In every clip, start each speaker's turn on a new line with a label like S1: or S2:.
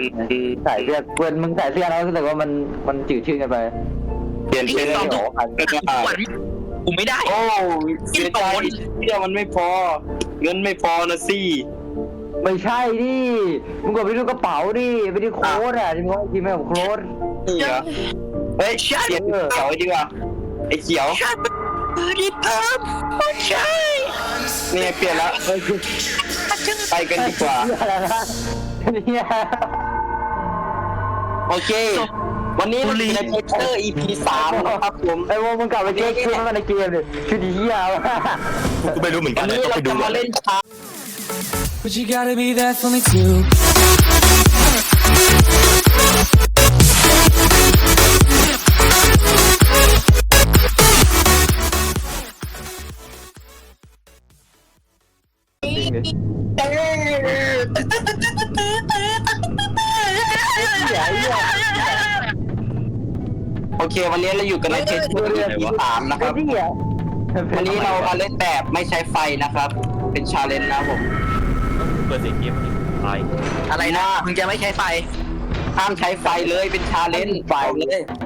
S1: ใส่เสื้อเพื่อนมึงใส่เสื้อแล้วรู้สึกว่ามันจืดชืดกันไป
S2: เปลี่ยนเป็น
S3: ไอ้
S2: หร
S3: ส
S2: อ
S3: องกูไม่ได้
S2: โอ้เสียใจเที่ยวมันไม่พอเงินไม่พอนะสิ
S1: ไม่ใช่ดิมึงกดไปดูกระเป๋าดิไปดูโค้ดอ่ะที่มึงว่ากินไม่กับโค้ด
S2: นี่เหรอเฮ้ยเปลี่ยนเขียวดีกว่าไอ้เขียว
S3: รีบเพิ่มใช่
S2: นี่เปลี่ยนแล้ว
S1: เฮ้ย
S2: ไปกันดีกว่า
S1: อะไรนะเนี่ย
S2: โอเค วันนี้เราอยู่ในเพเตอร์ EP 3นะครับผม
S1: ไอ้วงมึงกลับไปเช็คชื่อมันในเกมดิชื่อดีเหี้ยว่ะ
S4: กูไม่รู้เหมือนกั
S2: วัน น
S4: เลย
S2: นี้
S4: ต้อง
S2: เรา
S4: ไปดู
S2: จะ
S4: ก่อ
S2: มาน เล่นช้า
S5: But you gotta be there for me too.
S1: จริงดิเหี้ยเหี้ย
S2: โอเค วันนี้เราอยู่กันในเพเตอร์ EP 3นะครับ
S1: เหี้ย
S2: วันนี้เรามาเล่นแบบไม่ใช้ไฟนะครับ เป็นชาเลนจ์นะผม
S4: เปิดเสียงเกมไป
S3: อะไรนะมึงจะไม่ใช้ไฟ
S2: ห้ามใช้ไฟเลยเป็นชาเลนจ์ไฟเลย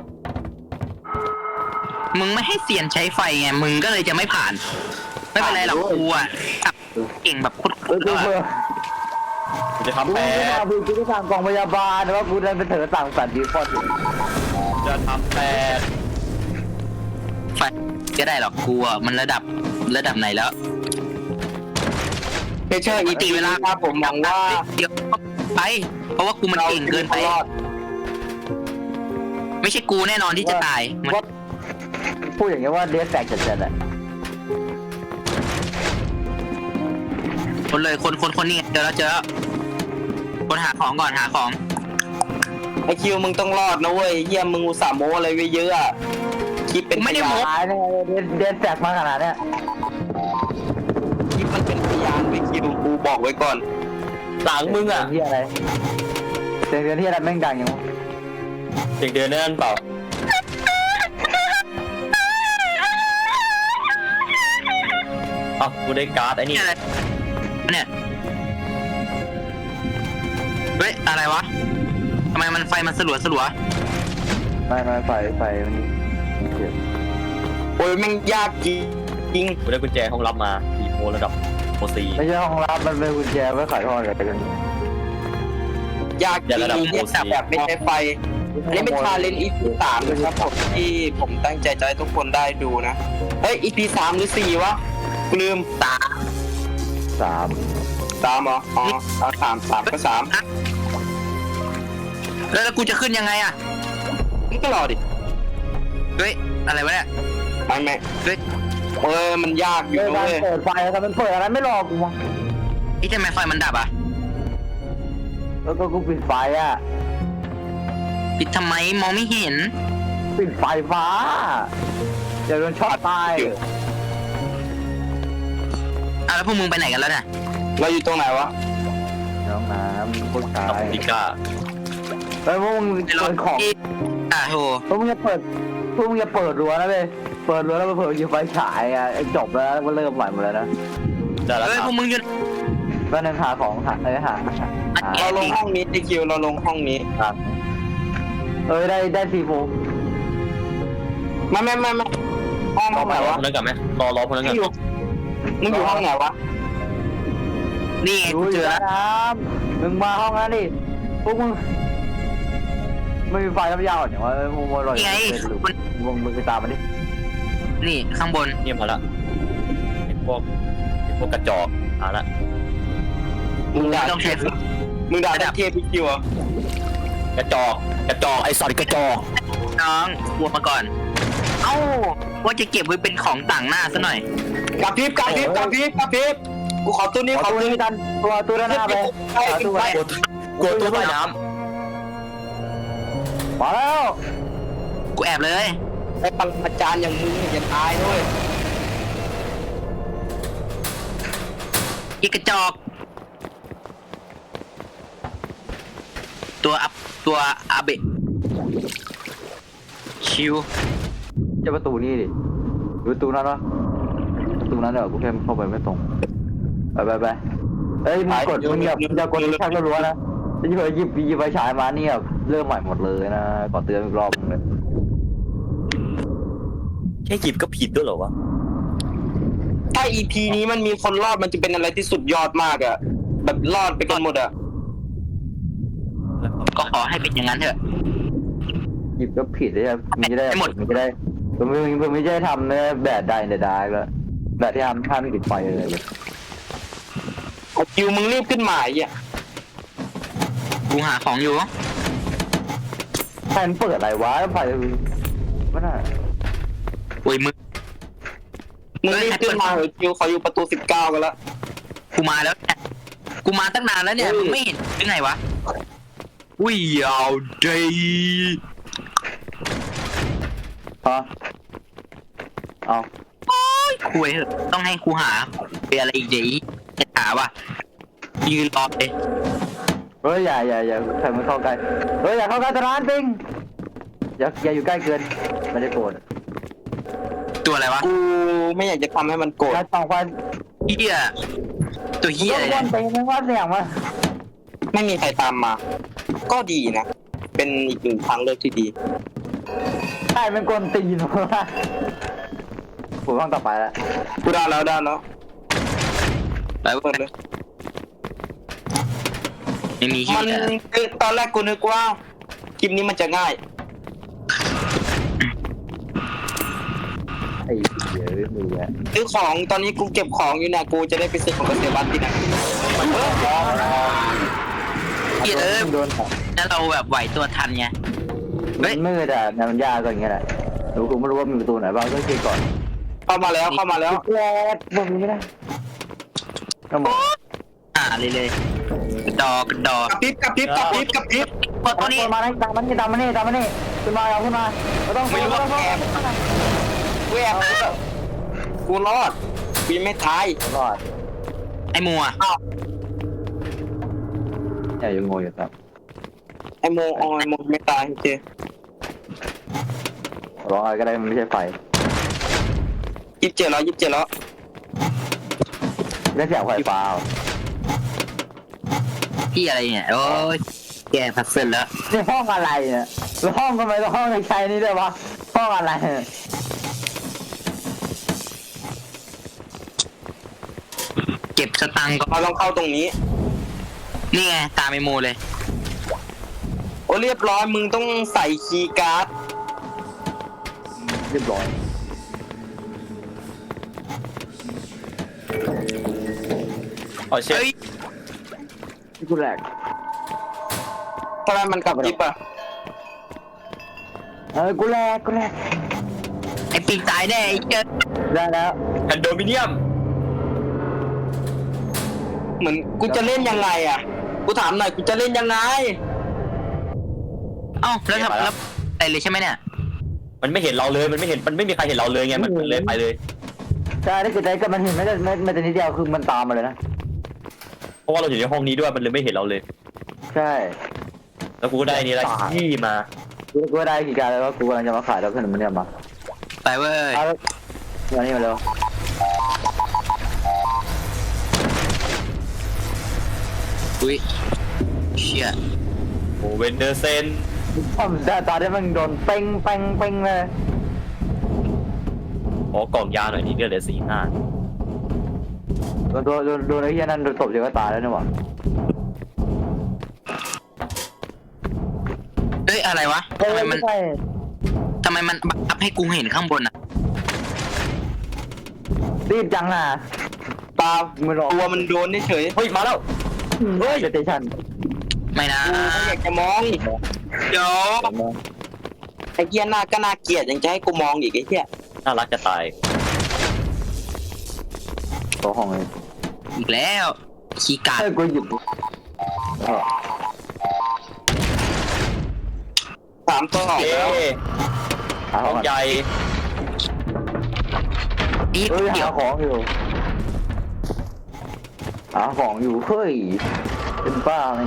S3: มึงไม่ให้เซียนใช้ไฟไงมึงก็เลยจะไม่ผ่าน ไม่เป็นไรหรอกกูอ่ะเก่งแบบโคตร
S1: กู
S3: ๆ
S1: เบื่อ
S4: กูจะ
S1: กู
S4: ทำแป
S1: ไม่
S4: ด
S1: มาดูกูจะสั่งกล่องพยาบาลแต่ว่ากูดันไปเถอะสั่งสัตว์ดีฟอด
S4: จะทำแปด
S3: ไฟจะได้หรอกกูอ่ะมันระดับไหนแล้ว
S2: เพเชอร์ EP เวลาครับผมหวังว่า
S3: เดี๋ยวไป เพราะว่ากูมันเก่งเกินไป
S2: รอด
S3: ไม่ใช่กูแน่นอนที่จะตายมัน
S1: พูดอย่างเงี้ยว่าเดสแตกจัดๆอ่ะ
S3: คนเลยคนนี่เจอแล้วคนหาของก่อนหาของ
S2: ไอคิวมึงต้องรอดนะเว้ยเฮียมึงอุตส่าห์โม้อะไรไว้เยอะอะคิดเป็นพยาน
S1: ตายเนี่ยเดสแตกมาขนาดเนี้ย
S2: คิดมันเป็นพยานไปคิวกูบอกไว้ก่อน
S4: หลังมึงอ่ะ
S1: ที่อะไรเสียงเดือนที่อะไรแม่งดังอย่างวะ
S4: เสียงเดือนนั่นเปล่าอ้าวกูได้การ์ดไอ้นี่
S3: นี่อะไรเนี่ยเฮ้ยอะไรวะทำไมมันไฟมันสลัว
S1: ไม่ไฟมันเจ็บ
S2: โอ้ยแม่งยากจริง
S4: กูได้กุญแจห้องรับมา4โมระดับโปรซี
S1: ไม่ใช่ห้องรับมันเป็นกุญแจไว้ขายทอดอะไรกัน
S2: ยากจริงแบบไม่ใช้ไฟอันนี้เป็นชาเลนจ์ EP 3นะครับผมที่ผมตั้งใจจะให้ทุกคนได้ดูนะเฮ้ย EP 3หรือ4วะกูลืม
S3: ๆตา
S1: 3
S2: 3เหรออ๋อเอา3ก็3
S3: แล้วกูจะขึ้นยังไงอ่ะ
S2: นี่ก็รอดิ
S3: เฮ้ยอะไรวะเนี่ย
S2: ไม่
S3: เฮ้ย
S2: มันยากอยู่
S1: เรื่อง
S2: นะ
S1: การ
S2: เว้ย
S1: เปิดไฟแต่มันเปิดอะไรไม่รอกูวะ
S3: นี่ทำไมไฟมันดับอ่ะ
S1: แล้วก็กูปิดไฟอ่ะ
S3: ปิดทำไมมองไม่เห็น
S1: ปิดไฟฟ้าเดี๋ยวโดนช็อตตาย
S3: อ่ะแล้วพวกมึงไปไหนกันแล้วเนี่ย
S2: เราอยู่ตรงไหนวะ
S1: น้องน้ำพวกชา
S4: กับ
S1: ย
S4: ดิก้า
S1: แล้วพวกมึง
S3: ในร
S1: เปิ
S3: ถ
S1: ดของ
S3: โห
S1: พวกมึงจะเปิดรั้วนะเว้ยเปิดรั้วแล้วมาเปิดยิงไฟฉายอ่ะจบแล้วก็เริ่มใหม่หมดแล้วนะ
S4: ได้แล้ว
S3: เฮ้ย
S4: ค
S3: พ
S4: รั
S3: ว
S4: บ
S3: กมึงอยู่
S1: ก็นั่งหาของหา
S2: เราลงห้องนี้ไอคิวเราลงห้องนี้
S1: ได้4 โมง
S2: ไม่ห้องไหนวะ
S4: พนักงานไหมรอพนักงาน
S2: มึงอยู่ห้องไหนวะ
S3: นี่ไง
S1: ดู
S3: กู
S1: อ
S3: เจ
S1: ยู่
S3: อ
S1: แล้
S3: แล้ว ว
S1: นะมึงมาห้องนั้นดิพวกมึงไม่มีไฟน้ำยาวเนี่ยว่ามึงลอย
S3: นี่ไงมัน
S1: มึงไปตามมันดิ
S3: นี่ข้างบน
S4: เงียบมาละไอ้พวกกระจอกเอาละ
S2: มึงด่า
S3: ไม่ต้องใช้
S2: มึงด่าเทียบพี่คิวอ่ะ
S4: กระจอกไอ้สัตว์กระจอก
S3: น้องบวกมาก่อน เอ้าว่าจะเก็บไว้เป็นของต่างหน้าซะหน่อย
S2: กับพริบกูขอตัวนี้
S1: ขอตัวนี้กันตัวด้านหน้าไปตัวไป
S4: กลัวตัวใต้น้
S1: มาแล้ว
S3: กูแอบเลย
S2: ไอ้ปังอาจารย์อย่างมึงอย่าตายด้วย
S3: อีกกระจอก ตัวอาเบะชิว
S1: จะประตูนี่ดิประตูนั้นวะประตูนั้นเดี๋ยวกูแค่เข้าไปไม่ตรงไปเอ้ยมึงอย่ากดชักรัวนะที่เธอหยิบไฟฉายมาเนี่ยเริ่มใหม่หมดเลยนะขอเตือนอีกรอบนึงเลย
S4: แค่หยิบก็ผิดด้วยเหรอวะ
S2: ถ้า EP นี้มันมีคนรอดมันจะเป็นอะไรที่สุดยอดมากอะแบบรอดไปกันหมดอะ
S3: ก็ขอให้เป็นอย่างนั้นเถอะ
S1: หยิบก็ผิดเลยครับมันจะได้
S3: ให้หมด
S1: มันจะได้ผมไม่ใช่ทำเนื้อแบบใดในดาร์กแล้วแบบที่ทำท่าไม่ติดไฟเลย
S2: คิวมึงรีบขึ้นมาไอ่ะ
S3: กูหาของอยู่
S1: ใครมันเปิดอะไรวะไฟมันน่ะ
S3: โอ้ยมึง
S2: มึงรีบขึ้นมาเหอะคิวเขาอยู่ประตู19กันแล้ว
S3: กูมาแล้วเนี่ยกูมาตั้งนานแล้วเนี่ยมึงไม่เห็นหรือไงวะอุ้ยเอาดี
S1: ฮะเอา
S3: คุยเถอะต้องให้กูหาเป็นอะไรอีกเดี๋ยวจะหาว่ะยืนรอเลย
S1: เฮ้ยอย่าใครมันเข้าใกล้เฮ้ยอย่าเข้าใกล้ตร้านปิงอย่าอยู่ใกล้เกินไม่ได้โกรธ
S3: ตัวอะไรวะ
S2: กูไม่อยากจะทำให้มันโกรธ
S1: การส่องไฟ
S3: เฮียตัวเฮียอะไร
S1: ก้
S3: เนี่
S1: น
S3: ย
S1: ไปไม่ว่าเสียงมา
S2: ไม่มีใครตามมา ก็ดีนะ เป็นอีกหนึ่งทางเลือกที่ดี
S1: ใช่เป็นกลตีนวะผมต้องต่อไปแล้ว
S2: กูได้แล้ว
S3: ไป
S2: เปิดเลย
S3: ไม่มีเฮี
S2: มัน
S3: ย
S2: คือตอนแรกกูนึกว่าคลิปนี้มันจะง่าย
S1: ไอ้เหี้ยมือแหละ
S2: ซื้อของตอนนี้กูเก็บของอยู่เนี่ยกูจะได้ไปซื้อของเกษตรบ้านที่ไหน
S3: เฮีย
S1: โดน
S3: แล้วเราแบบไหวตัวทันไง
S1: มันมืดอ่ะมันยากก็อย่างเงี้ยแหละแล้วกูไม่รู้ว่ามีประตูไหนบ้างก็เช็คก่อน
S2: เข้ามาแล้ว
S1: แย่บ่มีไม่ได้ก็มอง
S3: เลยกระดอกระดอก
S2: กระพริบ
S3: กดตัวนี้
S1: มาได้ตามมันนี่ขึ้นมาเอาขึ้นมาไม่ต้อง
S2: ไม่รู้ว่าแอบกูแอบกูรอดกูยังไม่ตาย
S1: รอด
S3: ไอ้มัว
S1: อย่ายังงงอยู่ครับ
S2: ไอโมไม่ตายโอเค
S1: ร้องอะไรก็ได้มันไม่ใช่ไฟ
S2: 27แล้ว
S1: ได้เสียงไฟฟ้า
S3: พี่อะไรเนี่ยโอ้ยแกพัซเซิลแล้ว
S1: นี่ห้องอะไรเนี่ยแล้วห้องทำไมต้องห้องในใช้นี่ด้วยวะห้องอะไร
S3: เก็บสตังค์ก็
S2: เราต้องเข้าตรงนี้
S3: นี่ไงตามไอ้โมเลย
S2: โอ้เรียบร้อยมึงต้องใส่คีย์การ์ด
S1: เรียบร้อย
S4: อ๋อเช่
S3: เฮ้ย
S1: ที่กูแหลก
S2: ทำไมมันกลับยิบอ่ะ
S1: กูแหลก
S3: ไอ้ปีกตายแน่ไอ้เจ้า
S1: ได้แล้ว
S4: คอนโดมิเนียม
S2: เหมือนกูจะเล่นยังไงอ่ะกูถามหน่อยกูจะเล่นยังไง
S3: เอ้าแล้วทำแล้วอะไรเลยใช่ไหมเนี่ย
S4: มันไม่เห็นเราเลยมันไม่มีใครเห็นเราเลยไงมันเลยไปเลย
S1: ใช่ถ้าเกิดใจก็มันเห็นไม่แต่นิดเดียวคือมันตามมาเลยนะ
S4: เพราะว่าเราอยู่ในห้องนี้ด้วยมันเลยไม่เห็นเราเลย
S1: ใช่
S4: แล้วกูก็ได้นี่แหละที่มา
S1: กูได้กี่การแล้วก็กูกำลังจะมาขายแล้วขนมมันเนี่ยมา
S3: ไปเว้ย
S1: เอามานี่มาเร็ว
S3: อุ้ยเชี่ย
S4: โอ้เวนเดอร์เซน
S1: ผมแต่ตอนที่มันโดนเป้งเลย
S4: ขอกล่องยาหน่อยนี่เลือดเหลือ45
S1: โดนไอ้เหี้ยนั่นโดนตบเดี๋ยวก็ตายแล้วเนี่ยหว่า
S3: เฮ้ยอะไรวะทำไมมันบังคับให้กูเห็นข้างบนอ่ะ
S1: รีบจังน่ะ
S2: เปล่า
S1: ไม่รอ
S2: ตัวมันโดนเฉย
S4: เฮ้ยมาแล้ว
S1: เฮ้ยสเตชัน
S3: ไม่นะ
S2: กูไม่อยากจะมอง
S3: เดี๋ยว
S2: ไอ้เหี้ยหน้าก็น่าเกลียดยังจะให้กูมองอีกไอ้เหี้ย
S4: น่ารักจะตาย
S1: ตัวห้องเลย
S3: อีกแล้วคีย์การ์ด
S1: กูหยิบ
S2: 3ตัวออก
S4: เอ๊
S2: แล้ว
S1: หา
S4: ห้
S1: ข
S4: อ
S1: อง ง
S4: ใหญ่
S3: นี่
S1: เฮ้ย
S3: เดี๋ย
S1: หาว ของอยู่เฮ้ยเป็นบ้าไง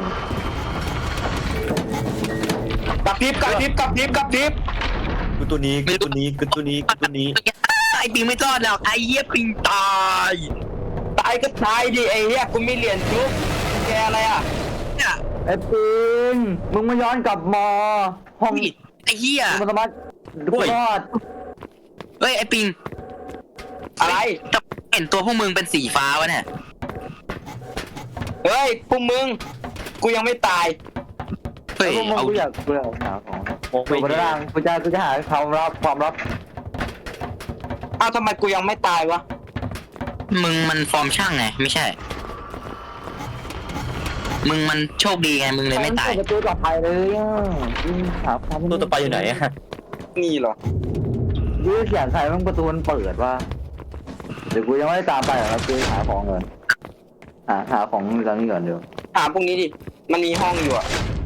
S2: กระพริบ
S4: กูตัวนี้
S3: ไอ้ปิงไม่รอดแล้วไอ้เหี้ยปิงตาย
S2: ตายก็ตายดิไอ้เหี้ยกูมีเหรียญจุ๊บแกอะไรอ่ะ
S3: เนี่ย
S1: ไอ้ปิงมึงมาย้อนกลับมอห้อง
S3: อุ้ยไอ้เหี้ย
S1: มึงสามารถดูรอด
S3: เฮ้ยไอ้ปิง
S2: อะไร
S3: แต่เห็นตัวพวกมึงเป็นสีฟ้าวะเนี่ย
S2: เฮ้ยพวกมึงกูยังไม่ตาย
S3: เฮ้ย
S1: แล้วพวกมึง
S3: เอา
S1: กูอยากหาของ
S4: มอง
S1: กู
S4: ไม่
S1: ไป
S4: เห็น
S1: ร่างกูจะหาความลับ
S2: อ้าวทำไมกูยังไม่ตายวะ
S3: มึงมันฟอร์มช่างไงไม่ใช่ มึงมันโชคดีไงมึงเลยไม่ตาย
S1: ประตูต่อไปเลยอ่ะหาความ
S4: ตัวต่อไปอยู่ไหนอะ
S2: นี่เหรอ
S1: ยื้อเขียนใส่มันประตูมันเปิดว่าเดี๋ยวกูยังไม่ได้ตามไปหรอกกูหาของก่อนหาของตอนนี้ก่อนเดี๋ยว
S2: ถามพวกนี้ดิมันมีห้องอยู่อะ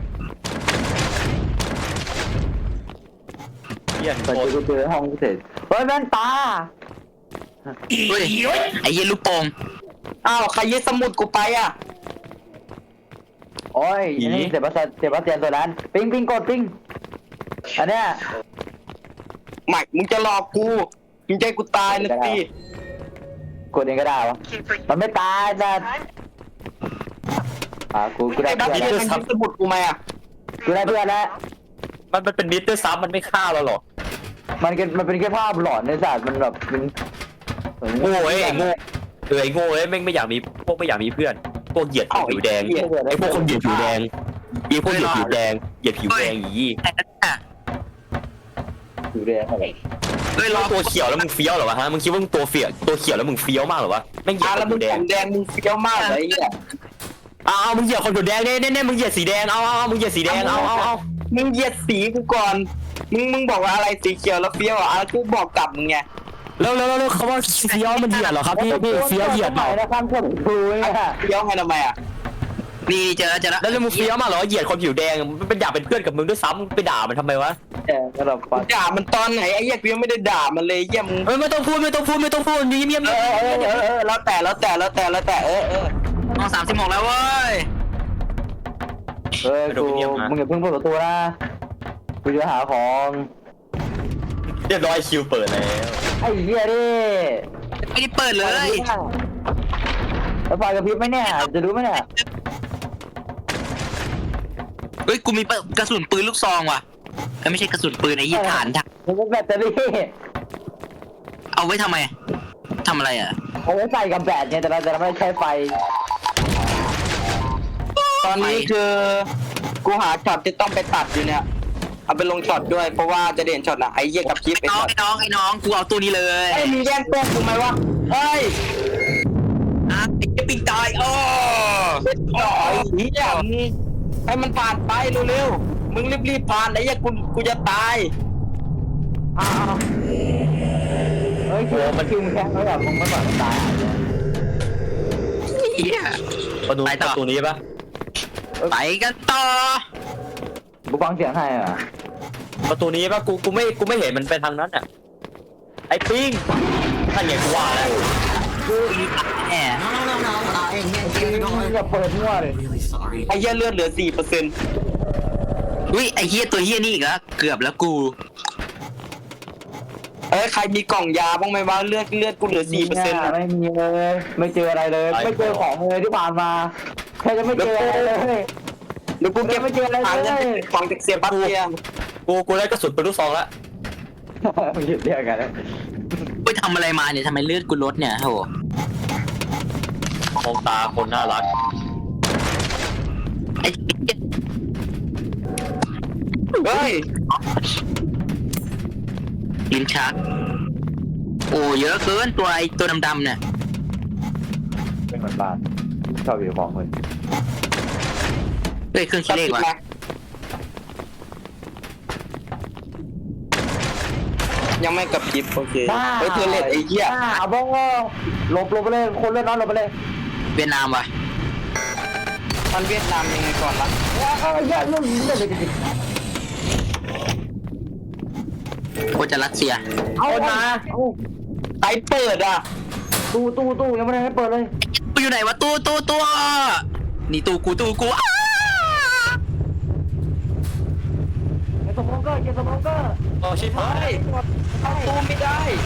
S4: เหี้ย
S1: แต่
S4: โคตร
S1: กูเจอห้องเสร็จเฮ้ยแว่นตา
S3: เฮ้ยไอ้เหี้ยลูกโป่ง
S2: อ้าวใครยึดสมุดกูไปอะ
S1: โอ้ยนี่เจ็บเตียนตัวนั้นปิ้งกดปิ้งอันเนี้ย
S2: ไม่มึงจะหลอกกูมึงใจกูตายนะสิ
S1: กดเองก็ได้วะมันไม่ตายนะกูได้
S2: ไอ้บัฟ
S1: เพื่อน
S2: เฟ
S1: แล้ว
S2: มันยึดสมุดกูไหมอะ
S1: กูได้เพื่อนแล้ว
S4: มันเป็นมิตรด้วยซ้ำมันไม่ฆ่าเราหรอก
S1: มันเป็นแค่ภาพหลอนในศาสตร์มันแบบมัน
S4: โง่ไอ้โง่ไอ้โง่ไอ้แม่งไม่อยากมีพวกไม่อยากมีเพื่อนพวกเหยียดผิวแดงไอ้พวกคนเหยียดผิวแดงไอ้พวกเหยียดผิวแดงเหยียดผิวแดงยี่
S3: ไอ้นั่นน่ะ
S1: อยู่เรียนอะไร
S3: เฮ้ยรอ
S4: ตัวเขียวแล้วมึงเฟี้ยวเหรอวะฮะมึงคิดว่ามึงตัวเขียวแล้วมึงเฟี้ยวมากเหรอวะแม่งเหยีย
S2: อ่ะ
S4: ด
S2: แล้ว
S4: ผิ
S2: มึง
S4: วแด
S2: ผ
S4: ง
S2: มแดงมึงเฟี้ยวมากเลยไอ้เนี่ย
S4: เอามึงเหยียดคนผิวแดงเนี่ยมึงเหยียดสีแดงเอามึงเหยียดสีแดงเอา
S2: มึงเหยียดสีกูก่อนมึงบอกว่าอะไรสีเขียวแล้วเฟี้ยวอ่ะกูบอกกลับมึงไง
S4: แล้วเขาว่าเฟี้ยวมันเหยียดเหรอครับพี่เฟี้ยวเหยียดเปล่า
S1: นะครับผมดูเนี่ย
S2: เฟี้ยวไงทำไมอ่ะ
S3: นี่เจอแล้ว
S4: แล้วมึงเฟี้ยวมากเหรอเหยียดคนผิวแดงมันเป็นอยากเป็นเพื่อนกับมึงด้วยซ้ำไปด่ามันทำไมวะ
S1: แต่สำหรับฟัง
S2: ด่ามันตอนไหนไอ้เหี้ยกูยังไม่ได้ด่ามันเลยเหี้ยมึง
S4: ไม่ต้องพูดเงียบ
S2: แล้วแต่
S3: น้อง36แล้วเว้ย
S1: เฮ้ยกูมึงอย่าเพิ่งเปิดประตูนะกูจะหาของ
S4: เรียบร้อยคิวเปิดแล้ว
S1: ไอ้เหี้ยดิ
S3: ไม่ได้เปิดเลย
S1: แล้วไฟกระพริบไหมเนี่ยจะรู้ไหมเนี่ย
S3: เฮ้ยกูมีกระสุนปืนลูกซองว่ะไม่ใช่กระสุนปืนไอ้ยี่ฐาน
S1: มันเป็นแบตเตอรี่
S3: เอาไว้ทำไมทำอะไรอ่ะ
S1: เอาไว้ใส่กับแบตเนี่ยแต่เราจะไม่ใช้ไฟ
S2: ตอนนี้คือกูหาช็อตที่ต้องไปตัดอยู่เนี่ยเอาไปลงช็อตด้วยเพราะว่าจะเด่นช็อตนะไอ้เหี้ยกับคลิป
S3: ไอ้น้องกูเอาตัวนี้เลย
S2: ไอ้มีแย่งตัวกูไหมวะเฮ้ย
S3: อ่ะไอ้ปิงตายอ๋อ
S2: ต่อยเหี้ยมึงให้มันผ่านไปเร็วๆมึงรีบผ่านไอ้เหี้ยกูจะตาย
S1: เฮ้ยคิวมันแข็งแล้วแบบมึงไม่ปล่อยมันตาย
S3: เหี้ย
S4: ประตูนี้ปะ
S3: ไปกันต่อ
S1: กูฟังเสียงให้อ่ะ
S4: ประตูนี้ปะกูไม่เห็นมันไปทางนั้นอ่ะไอ้ปิ้งท่านไงกูว่าแล้ว
S3: แหม
S1: อย่าเปิดมั่วเลย
S2: ไอ้เหี้ยเลือดเหลือ 4%
S3: อุ้ยไอ้เหี้ยตัวเหี้ยนี่อีกแล้วเกือบแล้วกู
S2: เอ้ยใครมีกล่องยาบ้างไหมวะเลือดกูเหลือ 4%
S1: ไม่มีเลยไม่เจออะไรเลยไม่เจอของเลยที่ผ่านมาแค่จะไม่เจออะไรเลย
S2: เดี๋ยวกูเก็บ
S1: ไม่เจออะไรเลย
S2: หาเงินของจากเสียบัตเตีย
S4: กูได้กระสุนปืนลูกซองแล้ว
S1: มึงหยุดเรียกกันนะ
S3: ไปทำอะไรมาเนี่ยทำไมเลือดกูลดเนี่ยโห
S4: มองตาคนน่ารัก
S3: ไอ้
S2: เฮ้ย
S3: ลิ้นชักโอ้เยอะเกินตัวดำๆเนี่ย
S1: เป็นเหมือนบ้านชอบอยู่ของเลย
S3: เฮ้ยเครื่องคิดเลขว่ะ
S2: ยังไม่กับคลิปโอเคเฮ้ยเธอเล็ดไอ้เหี้ย
S1: เอาบ้องหลบไปเลยคนเล่นน้อยหลบไปเลย
S3: เวียดนามว่ะ
S2: มันเวียดนามยังไงก่อนล่ะ
S1: เอาไอ้เหี้ยเรื่องนี้เลย
S3: โคจะรัสเซีย
S1: เอามา
S2: ใครเปิดอ่ะ
S1: ตู้ยังไม่ได้ให้เปิดเลย
S3: กูอยู่ไหนวะตัวนี่ตู้กูอ้า
S1: เก็บสมองเกอร์
S4: โอ้ชิบหา
S2: เฮ้
S4: ย
S2: ยเข้าตู้ไม่ได้
S1: เดี๋ยวมึงเข้าตอนนี้
S3: ไอ้แจงไอ้ควาย
S2: เฮ้ย
S3: ไอ้เหี้ย
S2: เฮ้ย
S3: ไอ้ควาย
S1: เดี๋ยวมึงเข้าตอนนี้
S3: ไอ้ควาย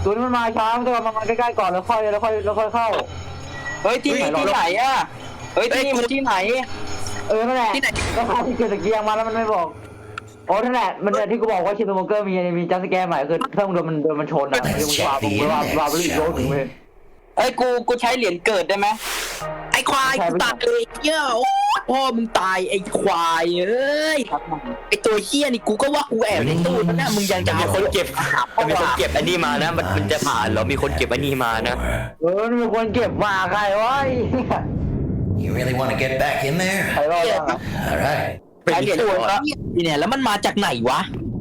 S1: ตัวนี้มันมาช้ามันต้องมาใกล้ๆก่อนแล้วค่อยเข้า
S2: เฮ้ยที่นี่ที่ไหนอ่ะเฮ้ยที่นี่มันที่ไหน
S1: นั่นแหละก็พาที่เกิดตะเกียงมาแล้วมันไม่บอกโอ้นั่นแหละมันที่กูบอกว่าชินโมเกอร์มีจัสแกร์ใหม่คือถ้ามึงโดนมันชนอ่ะมึงวาไปอีกโลกหนึ่งเลย
S2: เอ้ยกูใช้เหรียญเกิดได้ไหม
S3: ไอ้ควายกูตายเลยเหี้ยโอ้พ่อมึงตายไอ้ควายเอ้ยไอ้ตัวเหี้ยนี่กูก็ว่ากูแอบในตู้นั่นนะมึงยังจะ
S4: จะมี
S3: เอา
S4: คนเก็บอันนี้มานะมันจะผ่านเหรอมีคนเก็บอันนี้มานะ
S1: มีคนเก็บมาใครวะ
S5: You really want to get back in there?
S1: ใครรอด
S5: All right.
S2: ใช้เหรียญเกิดแล้ว
S3: เนี่ยแล้วมันมาจากไหนวะ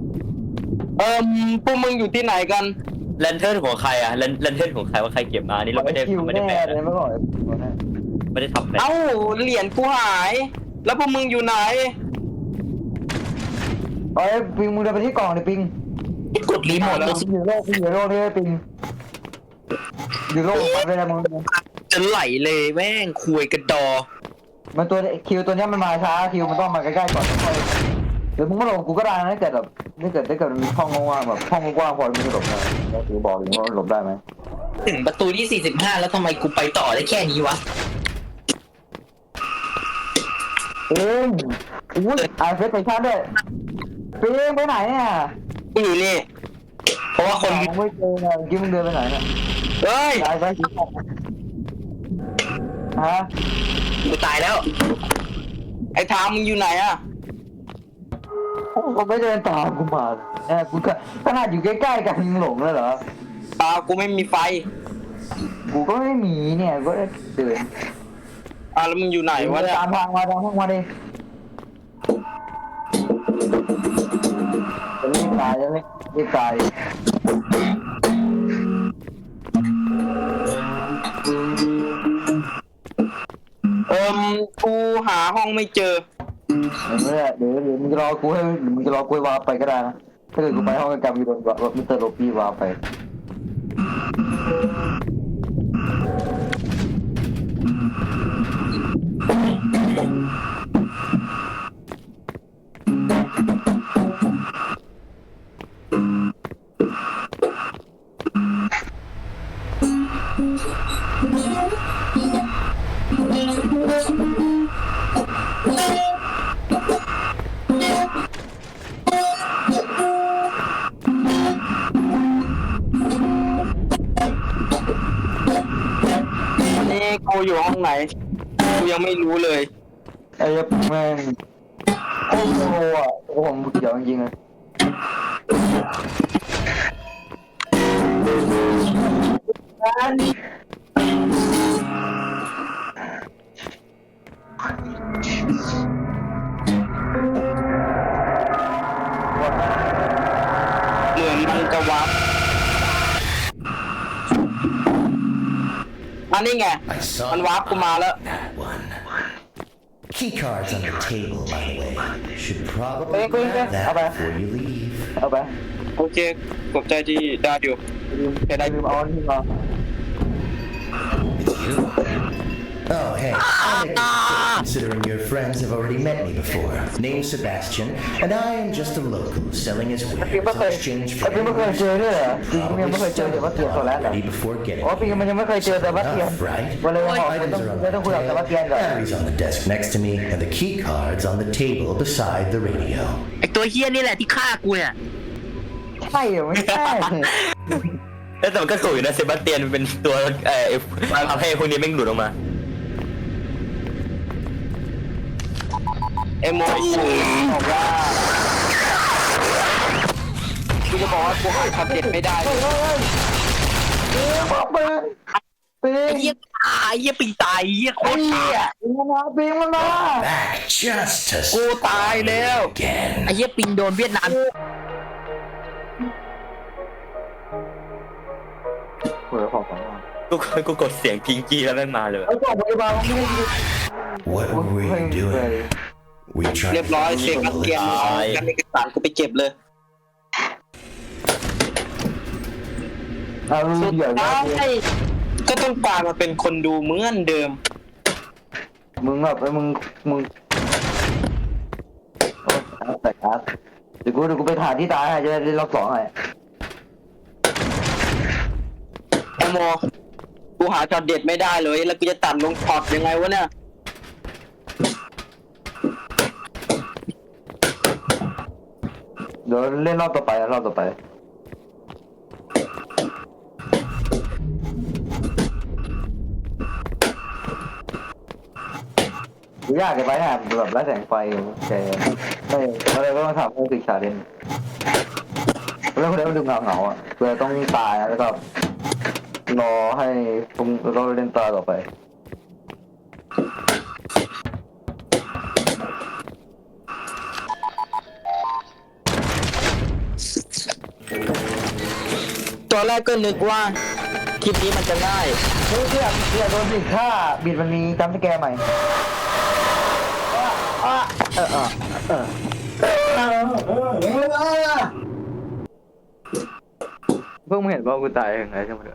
S2: พวกมึงอยู่ที่ไหนกัน
S4: แลนเทิร์นของใครอะแลนเทิร์นของใครว่าใครเก็บมานี่เราไม่ได้
S1: คิว
S4: ไม่ได้
S1: แน่
S4: แปะ
S1: เลย
S4: นะ
S1: เมื่อก่อน
S4: ไม่ได้ทำแปะ
S2: เอ้าเหรียญกูหาย แล้วพวกมึงอยู่ไหน
S1: เอ้ยปิงมึงเดินไปที่กล่องเลยปิง
S3: กดรีโมทเลย
S1: อยู่โลกนี่ปิงอยู่โลกไปเลยมึง
S3: จะไหลเลยแม่งคุยกระดอ
S1: มันตัวคิวตัวนี้มันมาช้าคิวมันต้องมาใกล้ๆก่อนหรือมึงมาหลบกูก็ได้นะถ้าเกิดมันมีห้องว่างแบบห้องกว้างพอมึงจะหลบได้แล้วถือบอกเลยว่าหลบได้ไหม
S3: ถึงประตูที่45แล้วทำไมกูไปต่อได้แค่นี้วะ
S1: อุ้ยเฟสไปชาร์จด้วยปิงไปไหนเนี่ย
S2: กูอยู่นี่ เพราะว่าคน
S1: มึงไม่เจอไงกินมึงเดินไปไหนเนี่ย
S2: เฮ้ย
S1: ตายไปฮะ
S3: กูตายแล้ว
S2: ไอ้ทามมึงอยู่ไหนอะ
S1: กูไม่เดินตามกูมากูขนาดอยู่ใกล้ๆกันมึงหลงเลยเหรอ
S2: กูไม่มีไฟ
S1: กูก็ไม่มีเนี่ยก็เดิน
S2: แล้วมึงอยู่ไหนวะเนี่ย
S1: ตามทางมาดิจะรีบตายจะรีบตาย
S2: กูหาห้องไม่เจอ
S1: เดี๋ยวมึงจะรอกูให้วาไปก็ได้นะถ้าเกิดกูไปห้องกรรมมีโดนมิสเตอร์โลปี้วาไป
S2: นี่กูอยู่ห้องไหน กูยังไม่รู้เลย
S1: ไอ้แม่งโอ้โหโอ้โหมึงเดี๋ยวจริงๆเลย
S2: เหมือนมันจะวับอันนี้ไง
S5: I saw
S2: มันวาร์ปกูมาแล้ว
S5: that one. Key cards on the table, by the way. Should probably
S1: Wait,
S5: grab that
S1: okay.
S5: before you leave.
S1: เอาไป
S2: โอเคขอบใจที่ได้อยู่
S1: ลืมเอาที่มา
S5: It's you. Oh, hey. I'll make it quick, considering your friends have already met me before. Name's Sebastian, and I am just a local selling his
S1: ปิง
S5: wares
S1: ไม่เค
S5: in
S1: ย
S5: exchange
S1: ไอ้
S5: for
S1: ปิงไม่เคยเจอด้วยเหรอปิง
S5: Probably
S1: ยังไม่เคยเจอ
S5: studied
S1: แต่ว่าเตียนตัวแรกเหรอ
S5: already before getting
S1: อ๋อปิงมันยังไม่เคยเจอแต่ว่าเตียน
S5: Enough, right?
S1: วันเลยบอก
S5: Items are on
S1: ไม่ต้องคุยกับแต่ว่าเตียน
S5: the
S1: ก่อน
S5: batteries on the desk next to me, and the key cards on the table beside the radio.
S3: ไอ้ตัวเฮี้ยนี่แหละที่ฆ่ากูเนี่ย
S1: ใช่เหรอไม่ใช่
S4: แต่มันก็ถูกอยู่นะเซบาสเตียนเป็นตัวทำให้พวกนี้แม่งหลุดออกมา
S2: เอโมบอกว่ากูจะบอกว่ากูหาคำเด็ดไม่ได้เลย
S1: บอกปิงปิง
S3: ไอ้เฮี้ยตายเฮี้ยปีตายเฮี้ยโคตรเฮี้ย
S1: ปิงมันมา
S5: Back just to
S2: กูตายแล้ว
S5: again.
S3: ไอ้เฮี้ยปิงโดนเวียดนาม
S1: เปิดของของ
S4: กูกดเสียงพิงกี้แล้วแม่งมาเลย
S1: ไอ้กล่องพยาบาลมันไม่ได้
S5: What were you doing? We tried
S2: เรียบร้อยเซบาสเตียนเอาการเอกสารกูไปเก็บเลย
S1: เอา
S2: สุด
S1: เดี๋ยว
S2: ท้ายก็ต้องกลายมาเป็นคนดูเหมือนเดิม
S1: มึงแบบมึงแต่ครับเดี๋ยวกูไปถ่ายที่ตายให้จะได้รอบสองให้
S2: โมกูหาช็อตเด็ดไม่ได้เลยแล้วกูจะตัดลงช็อตยังไงวะเนี่ย
S1: เดี๋ยวเล่นรอบต่อไปรอบต่อไปยากเกินไปฮะแบบไร้แสงไฟแกไม่อะไรก็ต้องทำให้ศึกษาเล่นแล้วคนเดียวมันดูเงาอ่ะเพื่อต้องตายแล้วก็รอให้พวกเราเล่นตาต่อไป
S3: ตอนแรกก็นึกว่าคลิปนี้มันจะง่าย
S1: เฮ้ยเพื่อนโดนบิดถ้าบิดมันมีจัมป์สแกร์ใหม่เพิ่งเห็นว่ากูตายยังไงใช่ไหม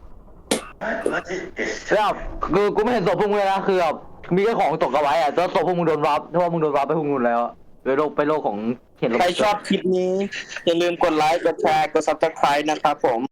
S1: แล้วกูไม่เห็นศพพวกมึงเลยนะคือแบบมีแค่ของตกเอาไว้อะแล้วศพพวกมึงโดนรับเพราะว่ามึงโดนรับไปพวกมึงแล้วไปโลกของเห็น
S2: ใครชอบคลิปนี้อย่าลืมกดไลค์กดแชร์กด Subscribe นะครับผม